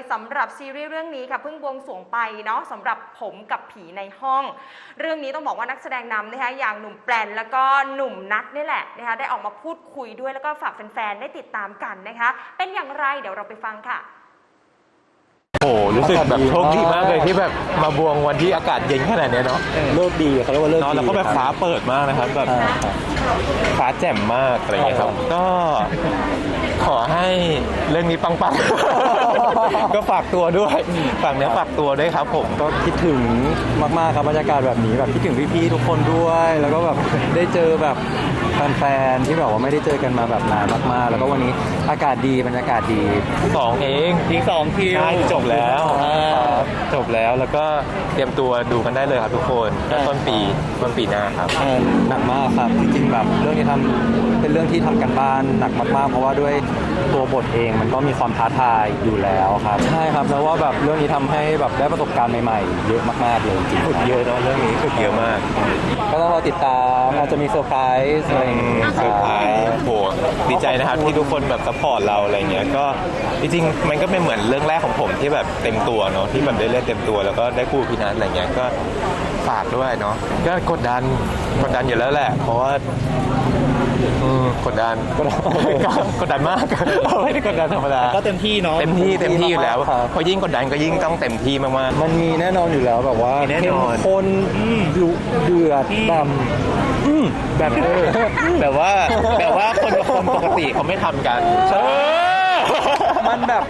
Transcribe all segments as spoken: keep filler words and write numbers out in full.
สำหรับซีรีส์เรื่องนี้ค่ะเพิ่งบวงสรวงไปเนาะสำหรับผมกับผีในห้องเรื่องนี้ต้องบอกว่านักแสดงนำนะคะอย่างหนุ่มแปลนแล้วก็หนุ่มนัทนี่แหละนะคะได้ออกมาพูดคุยด้วยแล้วก็ฝากแฟนๆได้ติดตามกันนะคะเป็นอย่างไรเดี๋ยวเราไปฟังค่ะโอ้รู้สึกแบบโชคดีมากเลยที่แบบมาบวงวันที่อากาศเย็นขนาดนี้เนาะเลิกดีเขาเรียกว่าเลิกดีแล้วก็แบบฟ้าเปิดมากนะครับแบบฟ้าแจ่มมากอะไรอย่างเงี้ยครับก็ขอให้เรื่องนี้ปังๆก็ฝากตัวด้วยฝากเนื้อฝากตัวด้วยครับผมก็คิดถึงมากๆครับบรรยากาศแบบนี้แบบคิดถึงพี่ๆทุกคนด้วยแล้วก็แบบได้เจอแบบแฟนๆที่แบบว่าไม่ได้เจอกันมาแบบนานมากๆแล้วก็วันนี้อากาศดีบรรยากาศดีสองเองอีกสองคิวจบแล้วจบแล้วแล้วก็เตรียมตัวดูกันได้เลยครับทุกคนต้นปีต้นปีหน้าครับหนักมากครับจริงๆแบบเรื่องนี้ทำเป็นเรื่องที่ทำกันบ้านหนักมากๆเพราะว่าด้วยตัวบทเองมันก็มีความท้าทายอยู่แล้วครับใช่ครับแล้วว่าแบบเรื่องนี้ทำให้แบบได้ประสบการณ์ใหม่ๆเยอะมากๆเลยจริงฝึกเยอะเนาะเรื่องนี้ฝึกเยอะมากก็ต้องรอติดตามอาจจะมีเซอร์ไพรส์อะไรอย่างเงี้ยเซอร์ไพรส์โหดีใจนะครับที่ทุกคนแบบซัพพอร์ตเราอะไรเงี้ยก็จริงๆมันก็เป็นเหมือนเรื่องแรกของผมที่แบบเต็มตัวเนาะที่แบบได้เล่นเต็มตัวแล้วก็ได้คู่พี่นัทอะไรเงี้ยก็ฝากด้วยเนาะก็กดดันกดดันอยู่แล้วแหละเพราะว่ากดดันกดดันมากไม่ได้กดดันธรรมดาก็เต็มที่เนาะเต็มที่เต็มที่อยู่แล้วพอยิ่งกดดันก็ยิ่งต้องเต็มที่มากๆมันมีแน่นอนอยู่แล้วแบบว่าเข้มข้นดุเดือดดำแบบแบบว่าแบบว่าคนคนปกติเขาไม่ทำกันมันแบบ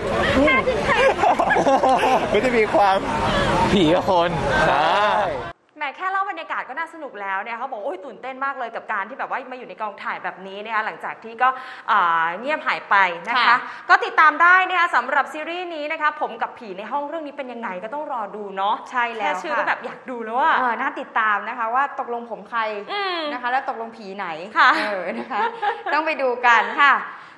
ไม่ได้มีความผีกับคนใช่แหมแค่เล่าบรรยากาศก็น่าสนุกแล้วเนี่ยเขาบอกโอ้ยตื่นเต้นมากเลยกับการที่แบบว่ามาอยู่ในกองถ่ายแบบนี้นะคะหลังจากที่ก็เงียบหายไปนะคะก็ติดตามได้นะคะสำหรับซีรีส์นี้นะคะผมกับผีในห้องเรื่องนี้เป็นยังไงก็ต้องรอดูเนาะใช่แล้วแค่ชื่อก็แบบอยากดูแล้วอะน่าติดตามนะคะว่าตกลงผมใครนะคะแล้วตกลงผีไหนค่ะเออนะคะต้องไปดูกันค่ะ